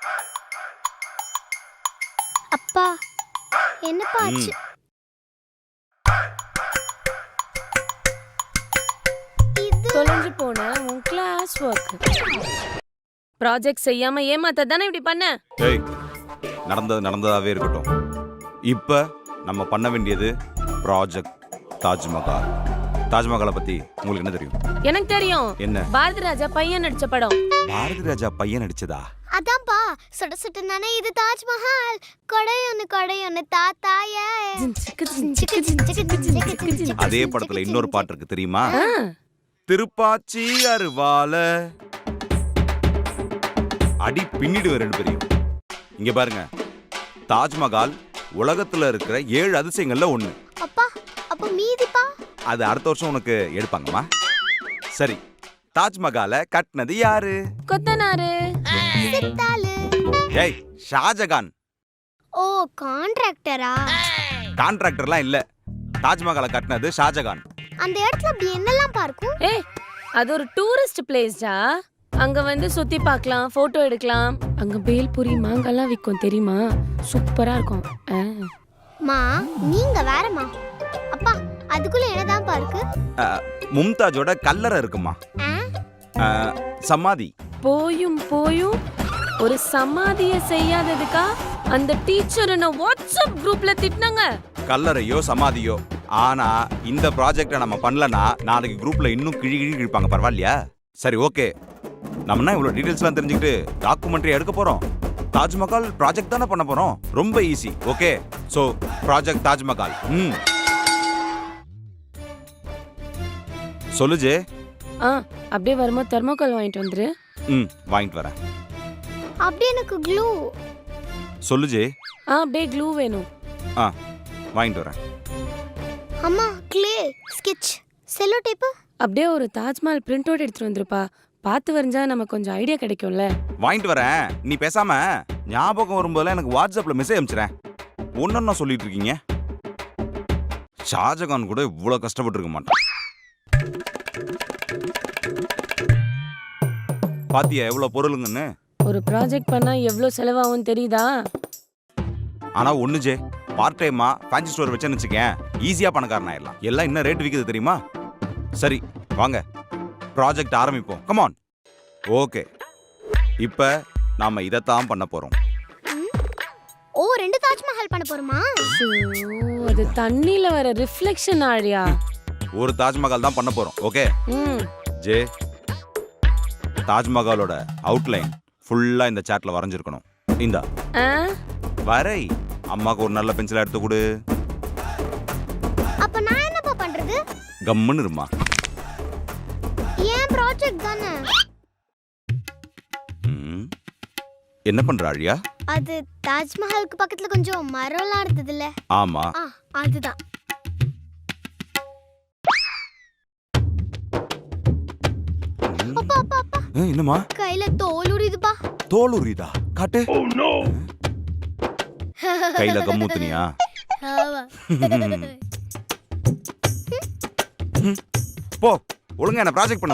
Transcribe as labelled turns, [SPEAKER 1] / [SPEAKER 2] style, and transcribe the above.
[SPEAKER 1] அப்பா என்னப்பா ஆச்சு?
[SPEAKER 2] தொலைஞ்சு போன உன் கிளாஸ் ஒர்க் ப்ராஜெக்ட் செய்யாம ஏமாத்த தானே இப்படி பண்ண?
[SPEAKER 3] ஏய், நடந்தது நடந்ததாவே இருக்கட்டும். இப்ப நம்ம பண்ண வேண்டியது ப்ராஜெக்ட் தாஜ்மஹால். தாஜ்மஹாலை பத்தி உங்களுக்கு என்ன தெரியும்?
[SPEAKER 2] எனக்கு தெரியும்.
[SPEAKER 3] என்ன?
[SPEAKER 2] பாரதி ராஜா பையன் நடிச்ச படம்.
[SPEAKER 3] பாரதி ராஜா பையன் நடிச்சதா?
[SPEAKER 1] அதான்ப்பா சுட சுட்டனானே இது தாஜ்மஹால். கொடையொன்னு தாத்தாய.
[SPEAKER 3] அதே படத்துல இன்னொரு பாட்டு இருக்கு தெரியுமா? திருப்பாச்சி அருவால அடி பின்னிடுவேன் ரெண்டு பேரையும். இங்க பாருங்க, தாஜ்மஹால் உலகத்துல இருக்கிற 7 அதிசயங்கள்ல ஒண்ணு.
[SPEAKER 1] அப்பா அப்ப மீதிப்பா?
[SPEAKER 3] அது அடுத்த வருஷம் உனக்கு எடுப்பாங்கம்மா. சரி, தாஜ்மஹாலை கட்டினது யாரு?
[SPEAKER 2] கொத்தனாரு.
[SPEAKER 1] சித்தாளு.
[SPEAKER 3] ஏய், ஷாஜகான்.
[SPEAKER 1] ஓ, கான்ட்ராக்டரா?
[SPEAKER 3] கான்ட்ராக்டர்லாம் இல்ல, தாஜ்மஹாலை கட்டினது ஷாஜகான்.
[SPEAKER 1] அந்த இடத்துல அப்படி என்னெல்லாம் பார்க்கும்?
[SPEAKER 2] ஏய், அது ஒரு டூரிஸ்ட் பிளேஸ்டா. அங்க வந்து சுத்தி பார்க்கலாம், போட்டோ எடுக்கலாம். அங்க பேல்பூரி மாங்காலாம் விற்கும் தெரியுமா? சூப்பரா இருக்கும்.
[SPEAKER 1] மா நீங்க வேறமா. அப்பா அதுக்குள்ள என்னதான் பார்க்கு?
[SPEAKER 3] மும்தாஜோட கல்லறை இருக்குமா. சமாதி.
[SPEAKER 2] போயும் ஒரு சமாதிய செய்யாததுக்கா அந்த டீச்சர் என்ன வாட்ஸ்அப் குரூப்ல திட்டினாங்க.
[SPEAKER 3] கல்லறையோ சமாதியோ, ஆனா இந்த ப்ராஜெக்ட நம்ம பண்ணலனா நாளைக்கு குரூப்ல இன்னும் கிழிப்பாங்க. பரவாயில்லையா? சரி, ஓகே. நம்ம இவ்வளவு டீடைல்ஸ்லாம் தெரிஞ்சுக்கிட்டு டாக்குமெண்ட்ரி எடுக்க போறோம். தாஜ்மஹால் ப்ராஜெக்ட் தானே பண்ண போறோம். ரொம்ப easy. Okay, so project Taj Mahal. சொல்லு ஜே.
[SPEAKER 2] அப்படியே வரும்போது தெர்மோகால் வாங்கிட்டு வந்துரு.
[SPEAKER 3] வாங்கிட்டு வரேன்.
[SPEAKER 1] அப்படியே எனக்கு க்ளூ.
[SPEAKER 3] சொல்லு ஜே.
[SPEAKER 2] அப்படியே க்ளூ வேணும்.
[SPEAKER 3] வாங்கிட்டு வரேன்.
[SPEAKER 1] அம்மா க்ளே, ஸ்கெட்ச், செல்லோ டேப். அப்படியே
[SPEAKER 2] ஒரு தாஜ்மஹால் பிரிண்ட் அவுட் எடுத்துட்டு வந்துருப்பா. பார்த்து வரைஞ்சா நமக்கு கொஞ்சம் ஐடியா கிடைக்கும்ல.
[SPEAKER 3] வாங்கிட்டு வரேன். நீ பேசாம ஞாபகம் வரும்போதெல்லாம் எனக்கு வாட்ஸ்அப்ல மெசேஜ் அனுப்பிச்சிரேன். ஒன்னொன்னா சொல்லிட்டு இருக்கீங்க. ஷாஜகான் கூட இவ்வளவு கஷ்டப்பட்டு இருக்க மாட்டான். பாத்தியா எவ்வளவு பொருளுங்கன்னு?
[SPEAKER 2] ஒரு ப்ராஜெக்ட் பண்ணா எவ்வளவு செலவாகும் தெரியுதா?
[SPEAKER 3] ஆனா ஒண்ணு ஜே, பார்ட் டைமா ஃபேன்சி ஸ்டோர் வச்சேன்னு வச்சுக்கேன், ஈஸியா பணக்காரன் ஆயிடலாம். எல்லாம் என்ன ரேட் விக்குது தெரியுமா? சரி வாங்க, ப்ராஜெக்ட் ஆரம்பிப்போம். Come on. ஓகே, இப்ப நாம இதத்தான் பண்ண போறோம்.
[SPEAKER 1] ஓ, 2 தாஜ்மஹால் பண்ண போறோமா?
[SPEAKER 2] அது தண்ணில வர ரிஃப்ளெக்ஷன் ஆழியா.
[SPEAKER 3] ஒரு தாஜ்மஹால் தான் பண்ண போறோம். ஓகே ஜே, தாஜ்மஹாலோட அவுட்லைன் ஃபுல்லா இந்த சார்ட்ல வரைஞ்சிருக்கணும். இந்தா வரை. அம்மாக்கு ஒரு நல்ல பென்சில் எடுத்து கொடு.
[SPEAKER 1] அப்ப நான் என்னப்பா பண்றது?
[SPEAKER 3] கம்முன்னு இருமா.
[SPEAKER 1] ஏன் ப்ராஜெக்ட் தானே.
[SPEAKER 3] என்ன பண்ற ஆழியா?
[SPEAKER 1] அது தாஜ்மஹாலுக்கு பக்கத்துல கொஞ்சம் மரம்லாம் இருந்ததுல.
[SPEAKER 3] ஆமா,
[SPEAKER 1] அதுதான். அப்பா அப்பா அப்பா.
[SPEAKER 3] என்னம்மா?
[SPEAKER 1] கையில தோல் உரியுதுப்பா.
[SPEAKER 3] தோல் உரியுதா? காட்டு. கையில கம்மூத்துனியா? போ, ஒழுங்கா என்ன ப்ராஜெக்ட் பண்ண